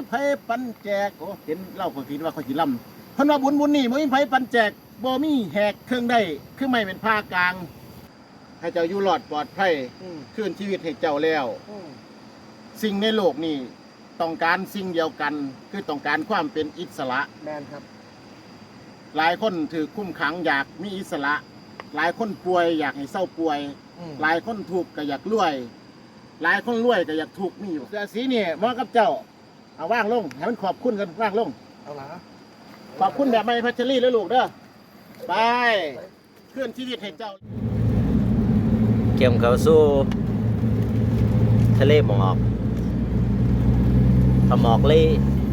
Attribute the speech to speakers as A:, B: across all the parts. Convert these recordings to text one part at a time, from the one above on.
A: ไผปันแจกโอ้เห็นเล่าคนคิดว่าเขาสิลำเพิ่นว่าบุญนี่บ่มีไผปันแจกบ่มีแหกเครื่องได้คือไม่เป็นผ้ากลาง ให้เจ้าอยู่รอดปลอดภัยคืนชีวิตให้เจ้าแล้วสิ่งในโลกนี้ต้องการสิ่งเดียวกันคือต้องการความเป็นอิสระ
B: แมนครับ
A: หลายคนถือคุ้มขังอยากมีอิสระ หลายคนป่วยอยากให้เศร้าป่วยหลายคนทุกข์ก็อยากรวย หลายคนรวยก็อยากทุกข์มีอยู่เสื้อสีนี่เหมาะกับเจ้าเอาว่างลงให้มันขอบคุณกันว่างลง
B: เอาละ
A: ขอบคุณแบบไม่พัชรีแล้วลูกเด้อไปเคลื่อนชีวิตให้เจ้า
C: เกี่ยมเขาสู้ทะเลหมอกหมอกเล่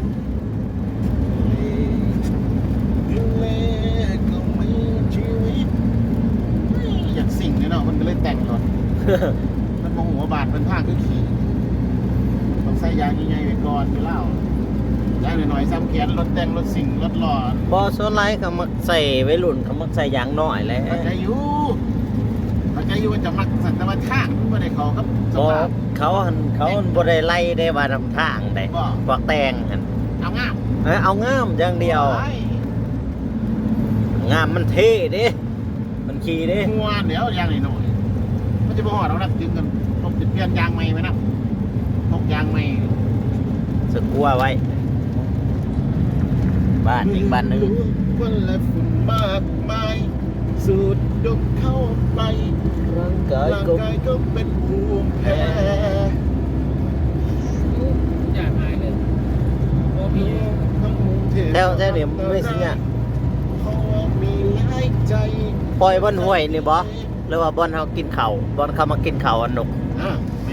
A: อยากสิ่งเนี่ยเนาะมันก็เลยแต่งรถมันมองหัวบาดเป็นผ้าคือขี่ต้องใส่ยางใหญ่ๆไปก่อนไปเล่ายางหน่อยๆซ้ำแขนรถแต่งรถสิ่งรถหล่อบ
C: อส่วนไรเขามักใส่ไว้รุ่นเขามักใส่ยางน้อยแล้ว
A: เข้าใจอยู่ว่าจะมักสันตะวันทางไม่ได้เขาครับ
C: เขาบ่ได้ไล่ได้ว่าทำทางได้พวกแต่งหัน
A: เอางาม
C: อย่างเดียวงามมันเท่ดิมันขี่ดิ
A: หัวเดี๋ยวยางหน่อยมันจะบ่หอดเรานักจึงกันต้องเปลี่ยนยางใหม่ไหมนะพกยางใหม่
C: สึกกลัวไว้บ้านอีกบ้านหนึ่ง
A: วันและฝุ่นมากมายสูดดมเข้าไป
C: ร่างกาย
A: ก็เป็นภูมิแพ้
B: อยากหายเลย
C: แถวเดี๋ยวไม่สิเนี่ยปล่อยบนห้วยนี่บ่หรือว่าบนเขากินเข่าบนเขามากินเข่าอันหนุก
A: แม่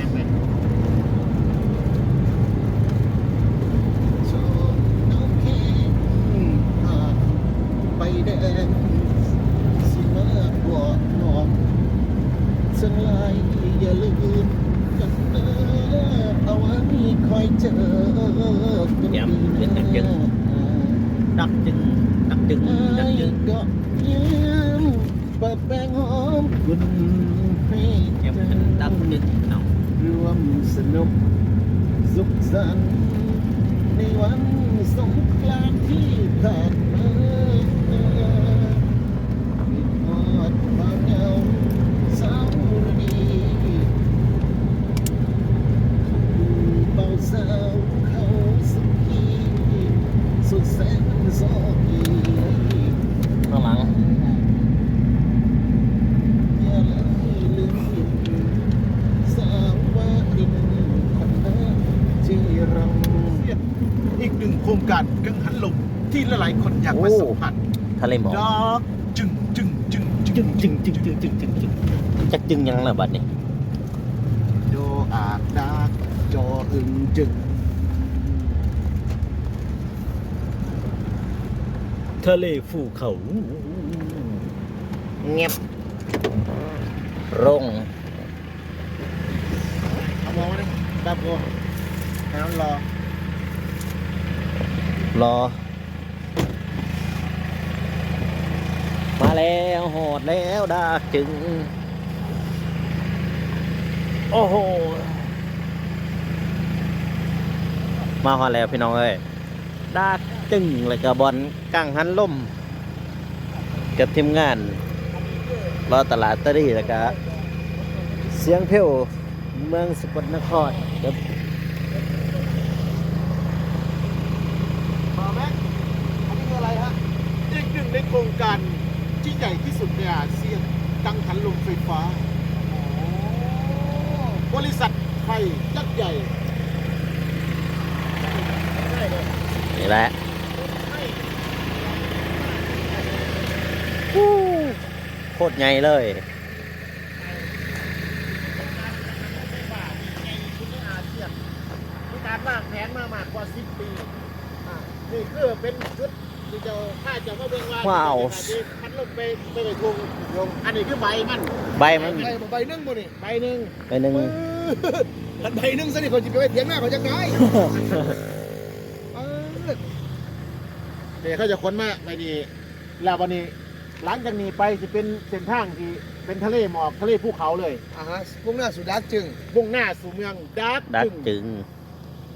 A: ไปแดงสิมาบอกน้องสังลายอย่าลืมกันเด้อเอาไว้คอยเจอ
C: กันปีหน้าดักจึง
A: ก็ยืมเปิดแป้งหอมคุณให้
C: ดักจึงเอา
A: รวมสนุกสุขสันต์ในวันสงกรานต์ที่ผ่านมามีทอดความเหงาสาวดีเบาสาวเขาสุขีสุดแสนโซกี
C: ข้างหลัง
A: อย่าเลยลืมสาวว่าดินคนนั้นที่รังอีกหนึ่งโครงการกังหันลมที่หลายๆคนอยากมาสัมผัส
C: ทะเลหมอก
A: จึง
C: จักจึงยังล่ะบัดนี้
A: โดอาดดากจออึงจึง
C: ทะเลภูเขาเงียบร่ง
A: เอามองมาดิดับโกน้ำรอ
C: มาแล้วโหดแล้วดากจึงโอ้โหมาฮอดแล้วพี่น้องเอ้ยดากจึงเลยกับบอลกังหันล่มกับทีมงานรอตลาดตะลี่แล้วก็เสียงเพลวเมืองสกลนครครับ
A: มาแม็กอันนี้คืออะไรฮะอีกหนึ่งในโครงการที่ใหญ่ที่สุดในอาเซียนกังหันลมไฟฟ้าบริษัทไทยยักษ์ใหญ่
C: นี่แหละโคตรใหญ่เลย
A: มีการวางแผนมามากกว่า10 ปีนี่คือเป็นชุดที่จะถ้าจะมาเบิ่งว่า
C: ว้าว
A: พัดลมไปทุ่งอันนี้คือใบมัน
C: ใบ
A: นึ่งบ่นี่ใบหนึ่ง
B: มันใบนึ่งซะนี่เขาจะไปเถียงหน้าเขาจะได้
A: เนี่ยเขาจะค้นมาไปนี่แล้ววันนี้หลังจากนี้ไปจะเป็นเส้นทางที่เป็นทะเลหมอกทะเลภูเขาเลย
B: มุ่งหน้าสู่ดักจึง
A: มุ่งหน้าสู่เมืองดัก
C: จึง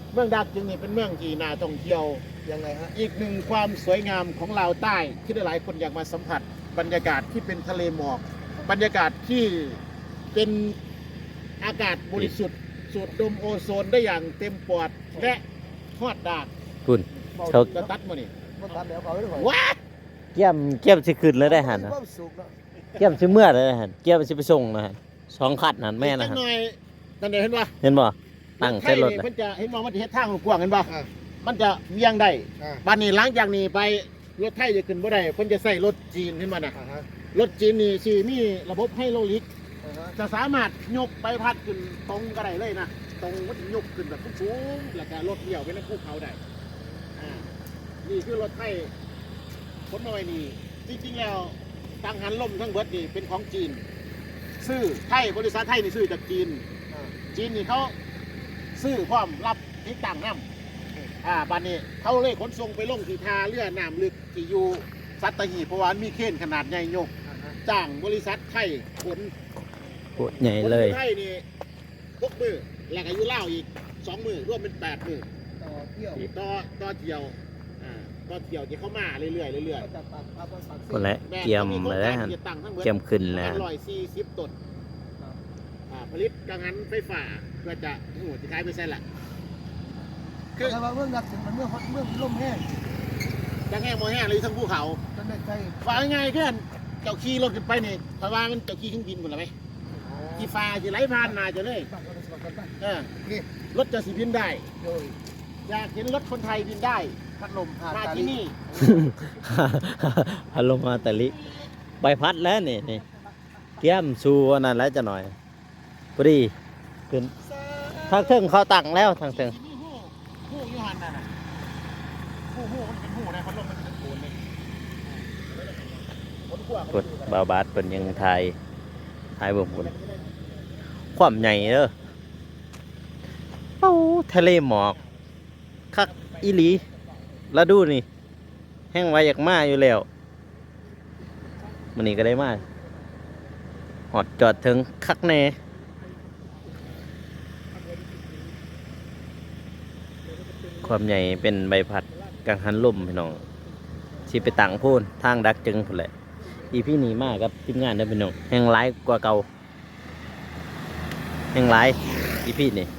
A: เมืองดากจึงนี่เป็นเมืองที่น่าท่องเที่ยว
B: ยังไงฮะ
A: อีกหนึ่งความสวยงามของลาวใต้ที่หลายๆคนอยากมาสัมผัสบรรยากาศที่เป็นทะเลหมอกบรรยากาศที่เป็นอากาศบริสุทธิ์สูดดมโอโซนได้อย่างเต็มปอดและทอดดาก
C: คุณ เขา
A: จะตัดมานี่
B: บ่ตัดแล้วเขาเลย
A: ว้า
C: เกี่ยมสิขึ้นเลยได้หัน
B: มี
C: นะ
B: ความสุขเนาะ
C: เกี่ยมสิเมื่อเลยได้หันเกี่ยมสิไปส่งนะฮะ2คันหันแม่นะ
A: จัก
C: ฮะ
A: หน่อยนั่นเดี๋ยวเห็นป่ะ
C: เห็นบ่ตั้งเส้นรถ
A: ไทย
C: เลย
A: มันจะเห็นว่ามันจะเฮ็ดทางกว้างเห็นป่ะ
B: อ่า
A: มันจะเวียงได้
B: อ่า
A: บ้านนี้หลังจากนี้ไปรถไทยจะขึ้นบ่ได้เพิ่นจะใส่รถจีนขึ้นมาน่ะ
B: อ่าฮะ
A: รถจีนนี่สิมีระบบไฮโดรลิก
B: อ่าฮะ
A: จะสามารถยกใบพัดขึ้นตรงก็ได้เลยนะตรงมันยกขึ้นแบบสูงๆแล้วก็รถเดี่ยวไปในภูเขาได้นี่คือรถไทยขนมาไว้นี่จริงๆแล้วตังหันลมทั้งเบิดนี่เป็นของจีน ซื้อไทยบริษัทไทยนี่ซื้อจากจีน
B: อ่า
A: จีนนี่เขาซื้อความรับที่ต่างน้ำบ้านนี้เขาเลยขนส่งไปลงที่ท่าเรือน้ำลึกที่อยู่สัตหีบเพราะว่ามีเข่นขนาดใหญ่ยก
B: อ่าฮะ
A: จ้างบริษัทไทยขน
C: โคตรใหญ่เลย
A: คนไทยนี่6 มือแล้วก็อยู่เล่าวอีก2 มือรวมเป็น8 มือ
B: ต่อเที่ยว
A: ต่อเที่ยวต่อเที่ยวที่เข้ามาเรื่อยๆเรื่อย
B: ก็จะตัดเอาไปสัก
C: คนละ
A: ๆแม่
C: เกี่ยม
A: ขาโครง
C: เลย
A: การ
C: ฮะ
A: ที่จะตั้งทั้งเบิด
C: เกี่ยมขึ้นแล้ว
A: 140 ต้นผลิตกังหันไฟฟ้าเพื่อจะโอ้โหจะขายไปใช่ละ
B: คือถ้าว่าเมืองนักถึงมันเมืองลมแห้ง
A: จังแห้งโมแห้งเลยทั้งภูเขา
B: จนได้ใจ
A: ฟ้าง่ายๆแค่เจ้าขี่รถขึ้นไปนี่เพราะว่ามันเจ้าขี่เครื่องบินหมดแล้วไหมที่ฟ้าที่ไหลผ่านมาจะเลย
B: บ้านเราได้สมัครกันบ้าง
A: เออ
B: นี่
A: รถจะสิบินได้
B: โดย
A: อยากเห็นรถคนไทยบินได้พัดลมมาที่นี่
C: พัดลมมาแต่ลิใบพัดแล้วนี่เกี่ยมชูอันนั้นแล้วจะหน่อยพอดีขึ้นทางเทิงเขาตั้งแล้วทางเทิง
A: มีหูยูหันน่ะนะหูมันเป็นหูนะพัดลมมันเป็นโคนเลยคนขั้ว
C: กดบาบาดเป็นยังไทยเบิ่งคนความใหญ่เด้อเอ้าทะเลหมอกคักอีหลีแล้วดูนี่แห้งไว้อยากมาอยู่แล้วมันนี้ก็ได้มาหอดจอดถึงคักแน่ความใหญ่เป็นใบพัดกังหันลมพี่น้องสิไปตั้งโพูนทางดักจึงพุ่นแหละอีพี่หนีมากครับทีมงานเด้อพี่น้องแห่งหลายกว่าเก่าแห่งหลายอีพี่นี่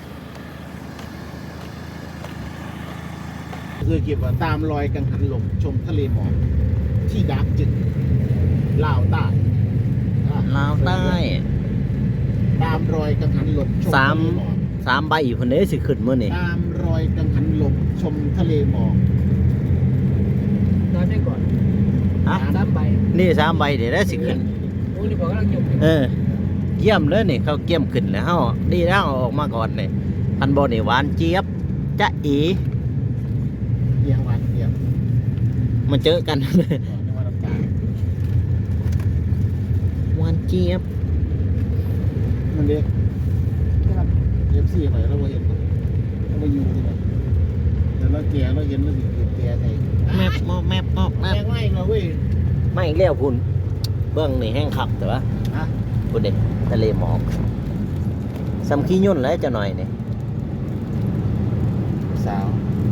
A: คือเก็บว่าตามรอยกังหันลมชมทะเลหมอกที่ดักจึงลาวใต้
C: ลาวใต้
A: ตามรอยกังหันลมชม
C: สาม
A: ทะเลหมอก
C: 3 ใบอยู่คนนี้สิขึ้นมื้อนี่
A: ตามรอยกังหันลมชมทะเลหมอก
B: นอนได้ก่อน
C: ฮะ
B: 3 ใบ
C: นี่3 ใบเดี๋ยวได้สิขึ้น
B: โอ้ยนี่บอกกำลังหยุด
C: เยี่ยมเลยนี่เขาเกี่ยมขึ้นแล้วเฮาดีแล้วเอาออกมาก่อนนี่พันบ่นี่หวานเจี๊ยบจ๊ะอี
A: เอียงหวานเอียง
C: มาเจอกัน
A: ก่อนในวันน้ำตาล
C: หวานเจี๊ยบ
A: มันเด็กเอฟซีหน่อยเราเห็นเราไปอยู่ที่ไหนแต่เราแก่เราเห็นเราสิเกิดแก่ไง
C: แมบมอบแมบมอบแม
A: แม่
C: บ
A: งไม่เราเว้ย
C: ไม่อีกแล้วคุณเบื้องนี่แห้งขับแต่ว่า
A: ฮะ
C: คุณเด็กทะเลหมอกสำขี้ยุ่นแล้วจะหน่อยนี่
A: สา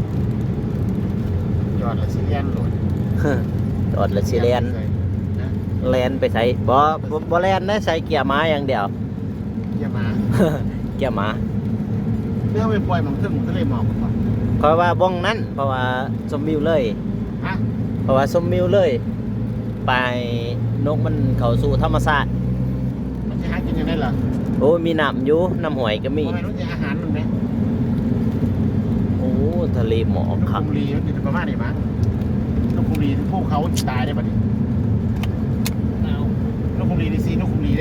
A: วยอดละสิเลียนโหลด
C: จอดและสิแลน
A: นะ
C: แลนไปใส่บ่แลนได้ใส่เกียร์ม้าอย่างเดียว
A: อย่ามา
C: เกียร์ม้า
A: เรื่องไปปล่อยมันขึ้นทะเลหมอกก่อน
C: เพราะว่าบ้องนั้นเพราะว่าชมวิวเลย
A: ฮะ
C: เพราะว่าชมวิวเลย ไปนกมันเข้าสู่ธรรมชาติ
A: มันจะหากินยังไงล่ะ
C: โอ้มีน้ำอยู่น้ำหวยก็มี
A: ทำไมต้องจะอาหารมันไหม
C: โอ้ทะเลหมอก
A: นก
C: ครับ
A: คุมรีมันอยู่ประมาณนี้มั้งนกคุมรีพวกเขาตายได้ปะดิเอานกคุมรีดีซีนกคุมรีเด้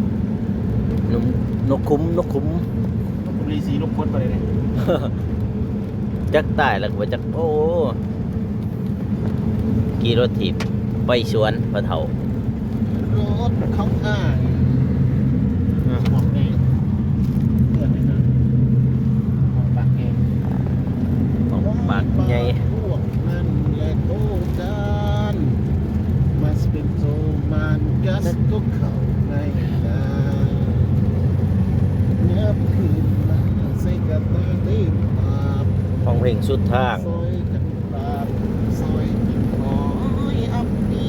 C: นกคุ้ม
A: นกคุมรีซีนกพดไปเลยเนี่ย
C: จักตายแล้วก็บ่จักโอ้กี่รถถีบไปสวนพระเถาร
A: ถเขาอ้างบอกไงเพื่อนเลยนะบอกปากเอง
C: ของปากใหญ่
A: พวกนั้นและโตกันมาสเป็นโซมันกัสก็เข้าในใจเนื้อคืนมาใส่กระตือรือร้
C: ฟังเพลงสุดทาง
A: ซอยกันปราบซอยกันหอยอับปี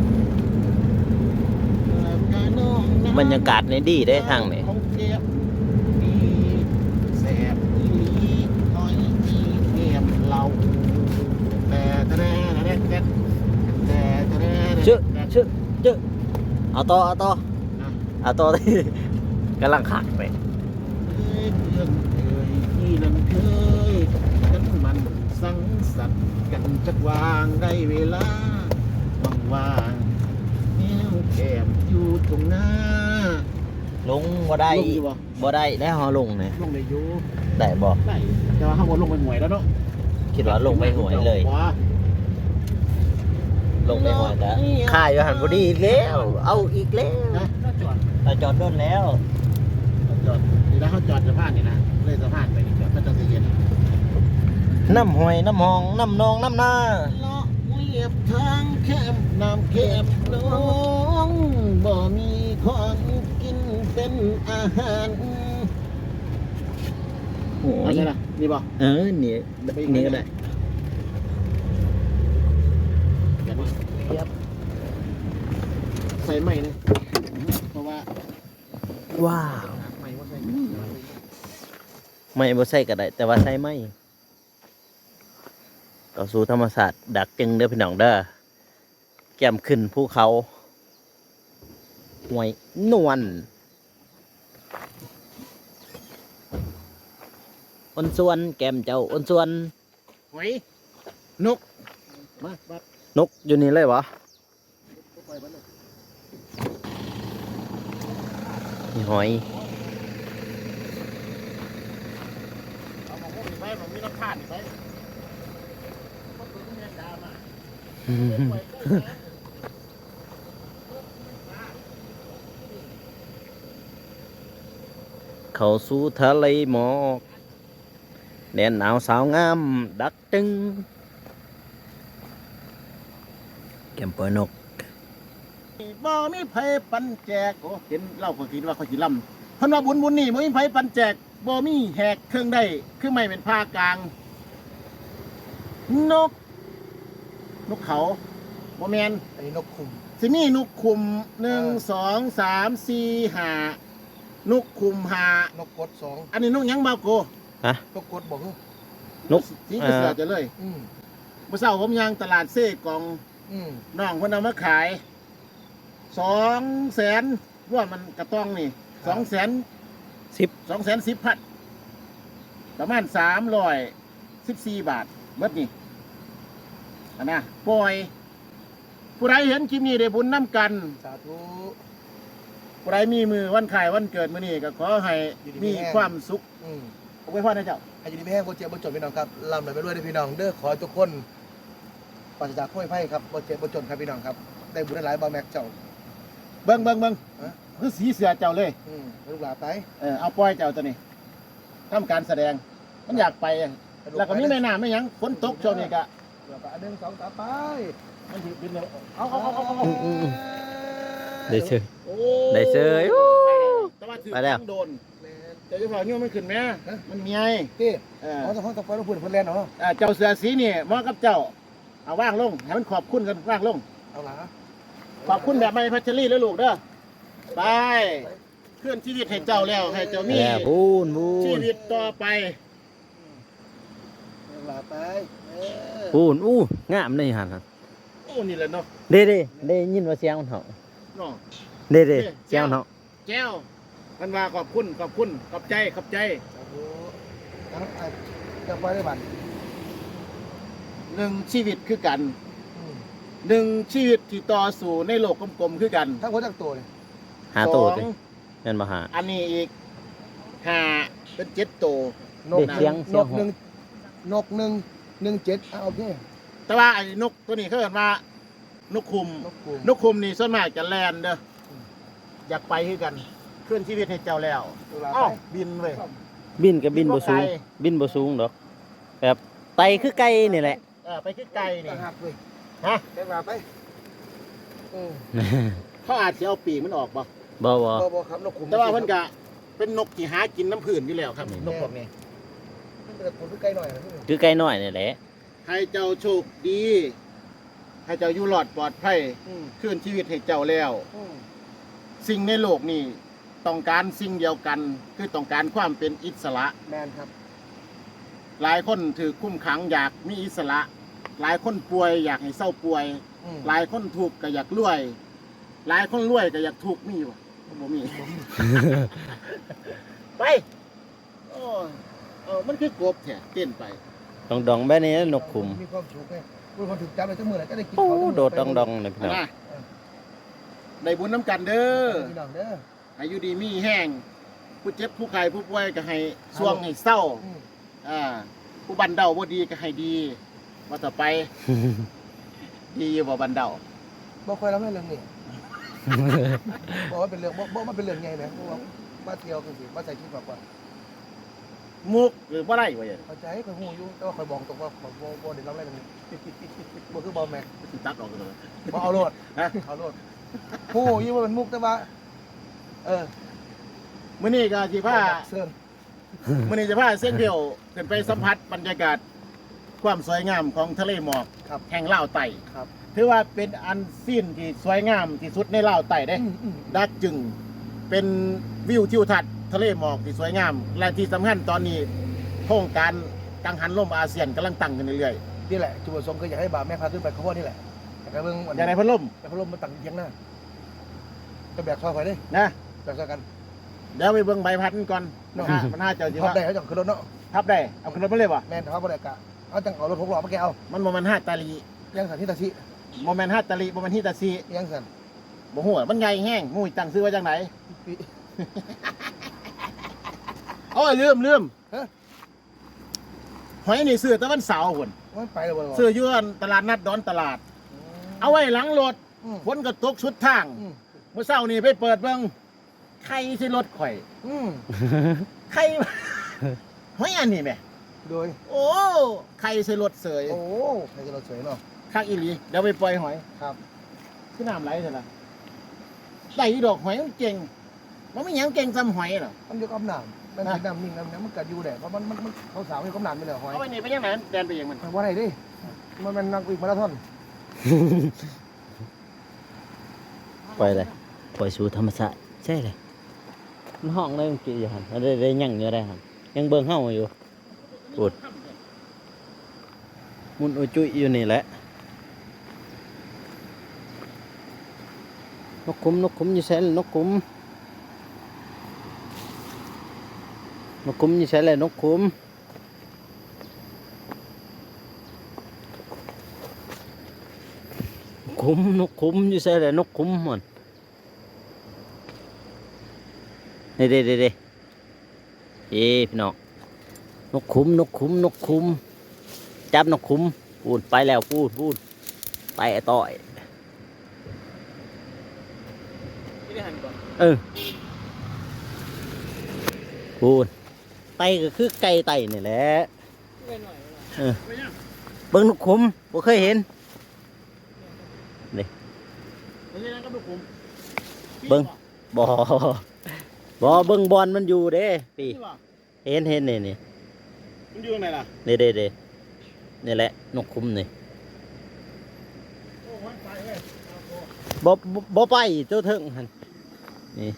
A: แล้วก็น้องน้ำ
C: บรรยากาศในดีได้ทางนี่
A: ของเก็บมีแสบอีหลีน้อยอีเกมเราแต่แต่แต่แต่แต่
C: ชื่อเอาต่อเอาต่อที่กำลังขักไป
A: เพื่อนเคยที่นั่นเคยกันมันสังสรรค์กันจักวางได้เวลาว่างๆแนวแคมอยู่ตรงหน้า
C: ลงบ่ได้
A: ลงอยู่บ่
C: บ่ได้ได้ฮอลงเนี่ย
A: ลงได้อยู่
C: ได้บ่
A: ได้แต่ว่าข้างบนลงไปหน่วยแล้วเนาะ
C: คิดว่าลงไปหวยเลย ลงไปหวยแต่ค่ายอยู่หันบ่ดีอีกแล้ว เอาอีกแล้ว
A: นะ
C: เราจอดโดนแล้ว
A: จอดนี่นะเขาจอดสะพานนี่นะเลยสะพานไปนี่จอดก็จะเย็น
C: น้ำหวยน้ำหองน้ำนองน้ำนา
A: เลาะเวียบทางแคมน้ำเค็มน้องบ่มีของกินเป็นอาหารโอ้ยล่ะนี่บ่
C: นี่นี่ก็ได้
A: ใส่ใหม่เลยเพราะว่า
C: ว้าว
A: ใหม่ว่าใส่
C: ไม่บ่ใส่ก็ได้ แต่ว่าใส่ไม่ต่อสู่ธรรมศาสตร์ดักจึงเด้อพี่น้องเด้อแก้มขึ้นภูเขาห้วยนวลอ้นส่วนแก้มเจ้าอ้นส่วน
A: หอยนกมาบัด
C: นกอยู่นี่เลยวะนี่หอย
A: เอาของพวกนี้ไปมันมีน้ำผ่านนี่ไปมันเป็นเงินดามา
C: เข้าสู่ทะเลหมอกแดนหนาวสาวงาม ดักจึงแก้มปล่อยนก
A: บ่มีไผปันแจกโอ้เห็นเล่าคนคิดว่าเขาสิล่ำเพิ่นว่าบุญนี่บ่มีไผปันแจกบ่มีแหกเครื่องได้คือไม่เป็นผ้ากลาง นกเขาบ่แม่น
B: ไอ้นกคุม
A: สิมีนกคุม1 2 3 4 5นกคุม5
B: นกกด2
A: อันนี้นกหยังบ่าวโก
B: นกกดบอก
C: นก
A: สีกระเสือจะเลย เมื่อเช้าผมย่างตลาดเซ่กองน้องเพิ่นเอามาขาย200,000รวมมันกระต้องนี่210,000 210,000ประมาณ314 บาทเบิดนี่อันนะปล่อย ผู้ใดเห็นคลิปนี้ได้บุญน้ำกัน
B: สาธุ
A: ผู้ใดมีมือวันขายวันเกิดมื้อนี้ก็ขอให้มีความสุขเอาไว้พ่อนะเจ้า
B: ให้อยู่ดีไม่แห้งบ่เจ็บบ่จนพี่น้องครับลำไหลไปด้วยพี่น้องเด้อขอทุกคนปราศจากโรคภัยครับบ่เจ็บบ่จนครับพี่น้องครับได้บุญได้หลายบ่แม็กเจ้า
A: เบิ่งคือสีเสือเจ้าเลย
B: ลูกหลานไป
A: เอาปล่อยเจ้าตัวนี้ทำการแสดงมันอยากไป แล้วก็มีแม่น้ำไม่ยังฝนตกช่วงนี้ก็
B: แล้วก็1 2 3ไป
A: มันสิบินเลยเอา
C: ได้เชย
A: โอ้
C: ได้เชย
A: แต่ว่าถือ
C: ไปแล้ว
A: โดนเจ้าเจ้าของเนี่ยมันขึ้นไหมมันมีไง
B: พี่
A: เออ
B: อ๋อต้องไปแล้วพูดเพิ่นเล่นเนาะ
A: เจ้าเสือสีนี่เหมาะกับเจ้าเอาว่างลงให้มันขอบคุณกันว่างลง
B: เอาล่ะ
A: ขอบคุณแบบไม่พัชรีแล้วลูกเด้อไปเคลื่อนชีวิตให้เจ้าแล้วให้เจ้ามี
C: แย่บูน
A: ชีวิตต่อไป
B: ลูกหลานไป
C: บูนงามเลยหัน
A: โอ้นี่แหละเนาะ
C: เด้ได้ยินว่าเสียงมันเหาะ
A: เนาะ
C: เด้เสียงมันเหาะ
A: แก้วมันว่าขอบคุณขอบใจ
B: สาธุทั้งจะไปได้บัด
A: หนึ่งชีวิตคือกันหนึ่งชีวิตที่ต่อสู่ในโลกกลมๆคือกัน
B: ทั้งคนทั้งตัวเลย
C: หาตัว
A: ส
C: สิ
A: อง
C: เงินมาหา
A: อันนี้อีก5เป็น7ตัวน
B: ก
C: เสียง
B: นก1 โอเค
A: แต่ว่าไอ้นกตัวนี้เขาเรียกว่านกคุม
B: นกคุม
A: นกคุมนี่ส่วนมากจะแลนเด้ออยากไปคือกันเคลื่อนชีวิตให้เจ้าแล้ว
B: ลูกหลาน
A: อ้าว
B: ไป
A: บินเว้ย
C: บินกับบินบ่สูง
A: บินบ่ไกล
C: บินบ่สูงดอกแบบไตคือไก่นี่แหละ
A: ไปคือไกลนี่
B: ต่างหากเลย
A: ฮะ
B: แกว่าไป
A: เขาอาจจะเอาปีกมันออกบ่
C: บ่
B: บ่ครับนกคุม
A: แต่ว่าเพิ่นก็เป็นนกที่หากินน้ำผื่นอยู่แล้วครับนกพวกนี้
B: มันเป็นคนที่ใกล้หน่อยนะพี่
C: คือไกลน้อยนี่แหละ
A: ให้เจ้าโชคดี ให้เจ้าอยู่รอดปลอดภัยคืนชีวิตให้เจ้าแล้ว สิ่งในโลกนี้ต้องการสิ่งเดียวกันคือต้องการความเป็นอิสระ
B: แมนครับ
A: หลายคนถือคุ้มขังอยากมีอิสระ หลายคนป่วยอยากให้เศร้าป่วย หลายคนถูกข์ก็อยากรวย หลายคนรวยก็อยากถูกข์มีวะบ่มี ไปโอ้ยมันคือกบแท้เต้นไป
C: ดองๆแบบนี้นกขุม
B: มีความสุขไงพูดคนถึงจับไปทั้งมือเลยก็ได้กิน
C: โอ้
B: เขา
C: โดดดองๆเลยพี่น้อง
A: นะได้บุญน้ำกันเด้อ
B: พี่น้องเด้อ
A: อายุดีมีแห้งผู้เจ็บผู้ไข้ผู้ป่วยก็ให้ช่วงให้เศร้าผู้บันเดาบ่ดีก็ให้ดีว่าต่อไป ดีอยู่บ่บันเดา
B: บอกคอยรับเรื่องนี้บอกว่าเป็นเรื่องบอกมันเป็นเรื่องไงนะบอกมาเที่ยวกันสิมาใส่ชุดแบบว่า
A: มุกหรือบ่ได้วะเนี่ย
B: เข้าใจคอยหูอยู่แต่ว่าคอยบอกตรงว่าคอยบอกเด็กรับเรื่องนี้บอกคือบอลแม็ก
A: สิตัดออกเลย
B: บอกเอาโลด
A: ฮะ
B: เอาโลดหูอยู่ว่าเป็นมุกแต่ว่า
A: มื้อนี้ก็สิพา
B: เซิร์น
A: มื้อนี้จะพาเส้นเดียวขึ้นไปสัมผัสบรรยากาศความสวยงามของทะเลหมอก
B: ครับ
A: แห่งลาวไต่
B: ครับ
A: ถือว่าเป็นอันซีนที่สวยงามที่สุดในลาวไต่เด้ ดักจึงเป็นวิวทิวทัศน์ทะเลหมอกที่สวยงาม และที่สำคัญตอนนี้โครงการกังหันลมอาเซียนกำลังตั้งขึ้นเรื่อย
B: นี่แหละจุดประสงค์คืออยากให้บ่าวแม่พาขึ้นไปเขาว่านี่แหละแต่ก็เบิ่ง
A: ๆอย่างไรพัดลม
B: แต่พัดลมมาตั้งเทียงหน้าจะแบกซอยไปดิ
A: นะ
B: แบกซอยกัน
A: เดี๋ยวไปเบิ่งใบพัดมันก่อน
B: เนาะ
A: มันน่าจะสิ
B: พับ
A: ว่า
B: ได้เขาจังขึ้นรถเนาะ
A: ทับได้เอาขึ้นรถมาเลยวะ
B: แม่นทับบ่ได้กะเอาจังเอารถ6ล้อมาแกเอา
A: มันโมเมนต์5ตาลี
B: ยังสันที่ตาชิ
A: โมเมนต์5ตาลีโมเมนต์ฮิตาซี
B: ยังสัน
A: บ่ฮู้อะมันใหญ่แห้งงูตั้งซื้อไว้จังไหน
B: ปี
A: โอ้ยลืม
B: ฮะ
A: หอยนี่ซื้อแตะวันเสาร์พุ่น
B: มันไปแล้วบ่
A: ซื้ออยู่อันตลาดนัดดอนตลาด เอาไว้หลังรถ
B: อืม
A: ฝนก็ตกชุดทาง
B: อืม
A: เมื่อเช้านี่ไปเปิดเบิ่งใครสิรถข่อย
B: อืม
A: ใคร หอยอันนี้แหม่
B: โดย
A: โอ้ใครใส่รถเสย
B: โอ้ใครจะเราสวยเนาะ
A: คักอีหลีเดี๋ยวไปปล่อยหอย
B: ครับ
A: คือน้ำไหลเถอะล่ะได้อีดอกหอยมันเก่งมันไม่หยังเก่งซ้ำหอยหรอก
B: มันอยู่กับน้ำมันเป็นน้ำนิ่งน้ำมันกัดอยู่แหละเพราะมันเขาสาวให้กับน้ำไม่เลยหอย
A: เอาไว้นี่ไปยังไงแดนไปเองมัน
B: ว่าไรดิมันเป็นนักวิ่งมาราธอน
C: ปล่อยเลยปล่อยสู่ธรรมชาติใช่เลยมันห้องเลยมันกี่อยู่หันได้ยังอยู่ได้หันยังเบิ่งเฮาอยู่ปวดมุนอุยจุยอยู่นี่แหละนกขุมอยู่แสนนกขุมอยู่แสนเลยนกขุมนกขุมอยู่แสนเลยนกขุมมันนี่เด้พี่น้องนกขุมจับนกขุมพูดไปแล้วพูดไปต่อยพูดไตก็คือไก่ไตนี่แหละเบิ่งนกขุมบ่เคยเห็นเบิ่งบ่เบิ่งบอลมันอยู่เด้ปีเห็นนี่
A: มันอยู่ตรงไหนล่ะ
C: นี่นี่แหละนกขุมนี่
A: โอ้หอยไปเว้ย
C: บ่ไปเจ้าเถิงหั่นนี่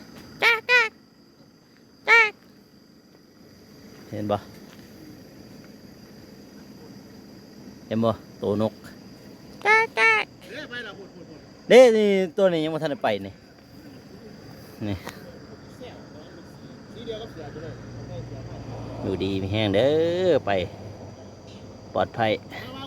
C: เห็นบ่ตัวนก
A: ไปล่ะพูด
C: เด้นี่ตัวนี้ยังบ่ทันได้ไปนี่
A: สีเดียวกับเสือจะเลย
C: อยู่ดีมีแห้งเด้อไปปลอดภัย
A: มา